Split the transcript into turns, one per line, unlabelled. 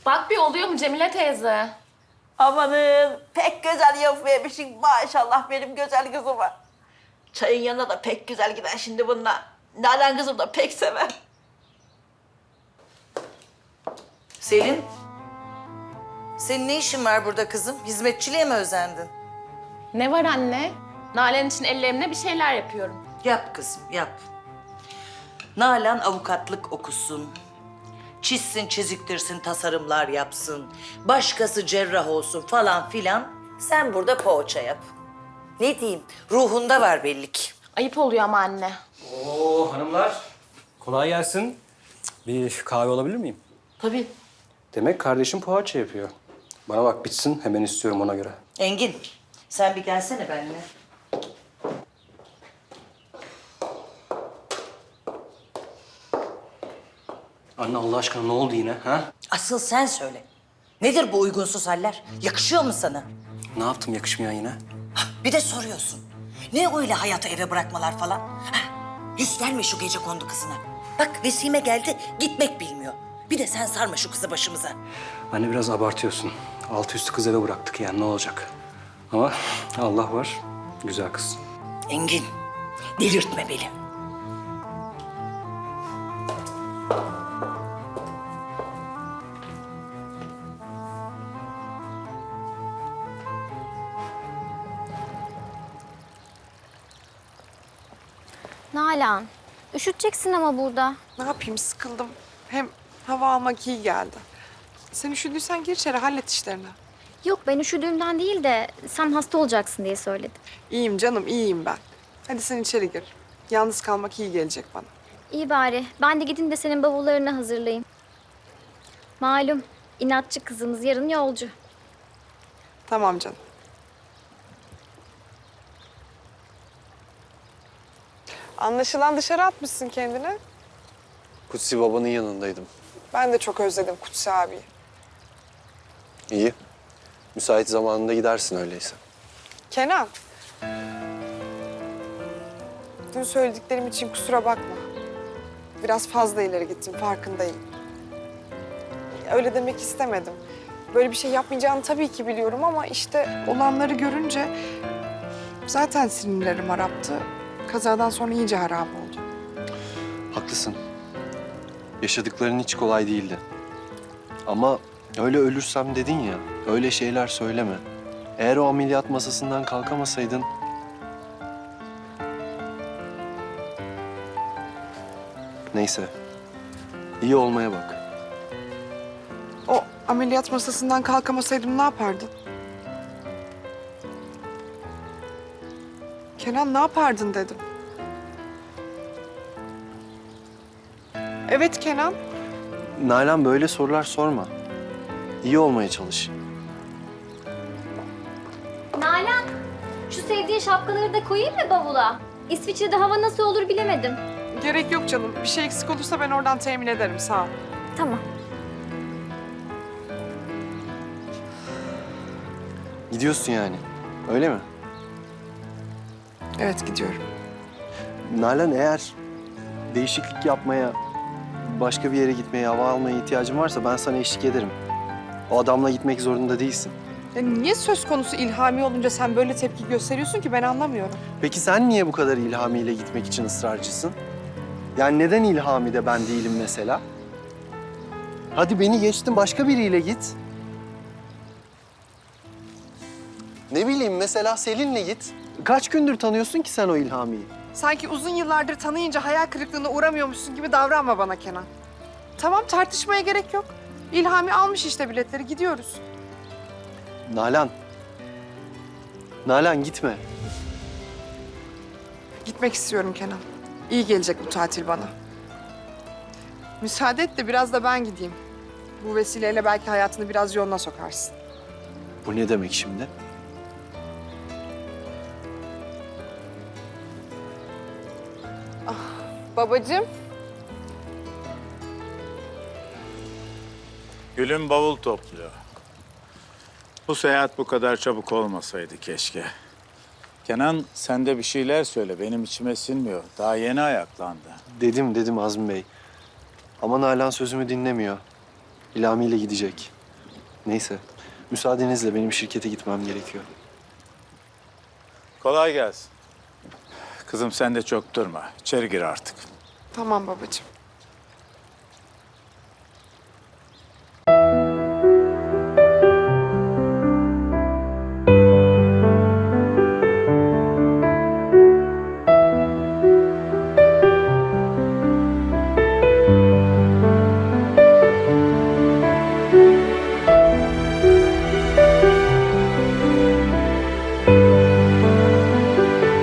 Bak bir oluyor mu Cemile teyze?
Amanın pek güzel yapıvermişsin maşallah benim güzel kızıma. Çayın yanına da pek güzel gider şimdi bununla. Nalan kızım da pek sever.
Selin, senin ne işin var burada kızım? Hizmetçiliğe mi özendin?
Ne var anne? Nalan için ellerimle bir şeyler yapıyorum.
Yap kızım, yap. Nalan avukatlık okusun. Çizsin, çiziktirsin, tasarımlar yapsın. Başkası cerrah olsun falan filan. Sen burada poğaça yap. Ne diyeyim, ruhunda var belli ki.
Ayıp oluyor ama anne.
Oo hanımlar. Kolay gelsin. Bir kahve alabilir miyim?
Tabii.
Demek kardeşim poğaça yapıyor. Bana bak bitsin hemen istiyorum ona göre.
Engin, sen bir gelsene benimle.
Anne Allah aşkına ne oldu yine ha?
Asıl sen söyle. Nedir bu uygunsuz haller? Yakışıyor mu sana?
Ne yaptım yakışmayan yine?
Bir de soruyorsun. Ne öyle hayatı eve bırakmalar falan? Yüz verme şu gece kondu kızına. Bak Vesime geldi, gitmek bilmiyor. Bir de sen sarma şu kızı başımıza.
Anne biraz abartıyorsun. Altı üstü kız eve bıraktık yani ne olacak? Ama Allah var, güzel kız.
Engin, delirtme beni.
Nalan, üşüteceksin ama burada.
Ne yapayım sıkıldım. Hem hava almak iyi geldi. Sen üşüdüysen gir içeri hallet işlerini.
Yok ben üşüdüğümden değil de sen hasta olacaksın diye söyledim.
İyiyim canım iyiyim ben. Hadi sen içeri gir. Yalnız kalmak iyi gelecek bana.
İyi bari. Ben de gidin de senin bavullarını hazırlayayım. Malum inatçı kızımız yarın yolcu.
Tamam canım. Anlaşılan dışarı atmışsın kendini.
Kutsi babanın yanındaydım.
Ben de çok özledim Kutsi abiyi.
İyi. Müsait zamanında gidersin öyleyse.
Kenan. Dün söylediklerim için kusura bakma. Biraz fazla ileri gittim, farkındayım. Öyle demek istemedim. Böyle bir şey yapmayacağını tabii ki biliyorum ama işte olanları görünce zaten sinirlerim haraptı. Kazadan sonra iyice harap oldu.
Haklısın. Yaşadıkların hiç kolay değildi. Ama öyle ölürsem dedin ya, öyle şeyler söyleme. Eğer o ameliyat masasından kalkamasaydın... Neyse. İyi olmaya bak.
O ameliyat masasından kalkamasaydım ne yapardın? Kenan ne yapardın dedim. Evet Kenan.
Nalan böyle sorular sorma. İyi olmaya çalış.
Nalan, şu sevdiğin şapkaları da koyayım mı bavula? İsviçre'de hava nasıl olur bilemedim.
Gerek yok canım. Bir şey eksik olursa ben oradan temin ederim. Sağ ol.
Tamam.
Gidiyorsun yani. Öyle mi?
Evet gidiyorum.
Nalan eğer değişiklik yapmaya, başka bir yere gitmeye, hava almaya ihtiyacın varsa ben sana eşlik ederim. O adamla gitmek zorunda değilsin.
Ya niye söz konusu İlhami olunca sen böyle tepki gösteriyorsun ki ben anlamıyorum.
Peki sen niye bu kadar İlhami ile gitmek için ısrarcısın? Yani neden İlhami de ben değilim mesela? Hadi beni geçtin başka biriyle git. Ne bileyim mesela Selin'le git. Kaç gündür tanıyorsun ki sen o İlhami'yi?
Sanki uzun yıllardır tanıyınca hayal kırıklığına uğramıyormuşsun gibi davranma bana Kenan. Tamam tartışmaya gerek yok. İlhami almış işte biletleri gidiyoruz.
Nalan. Nalan gitme.
Gitmek istiyorum Kenan. İyi gelecek bu tatil bana. Müsaade et de biraz da ben gideyim. Bu vesileyle belki hayatını biraz yoluna sokarsın.
Bu ne demek şimdi?
Babacığım.
Gül'ün bavul topluyor. Bu seyahat bu kadar çabuk olmasaydı keşke. Kenan sen de bir şeyler söyle. Benim içime sinmiyor. Daha yeni ayaklandı.
Dedim Azmi Bey. Ama Nalan sözümü dinlemiyor. İlhami ile gidecek. Neyse, müsaadenizle benim şirkete gitmem gerekiyor.
Kolay gelsin. Kızım sen de çok durma. İçeri gir artık.
Tamam babacığım.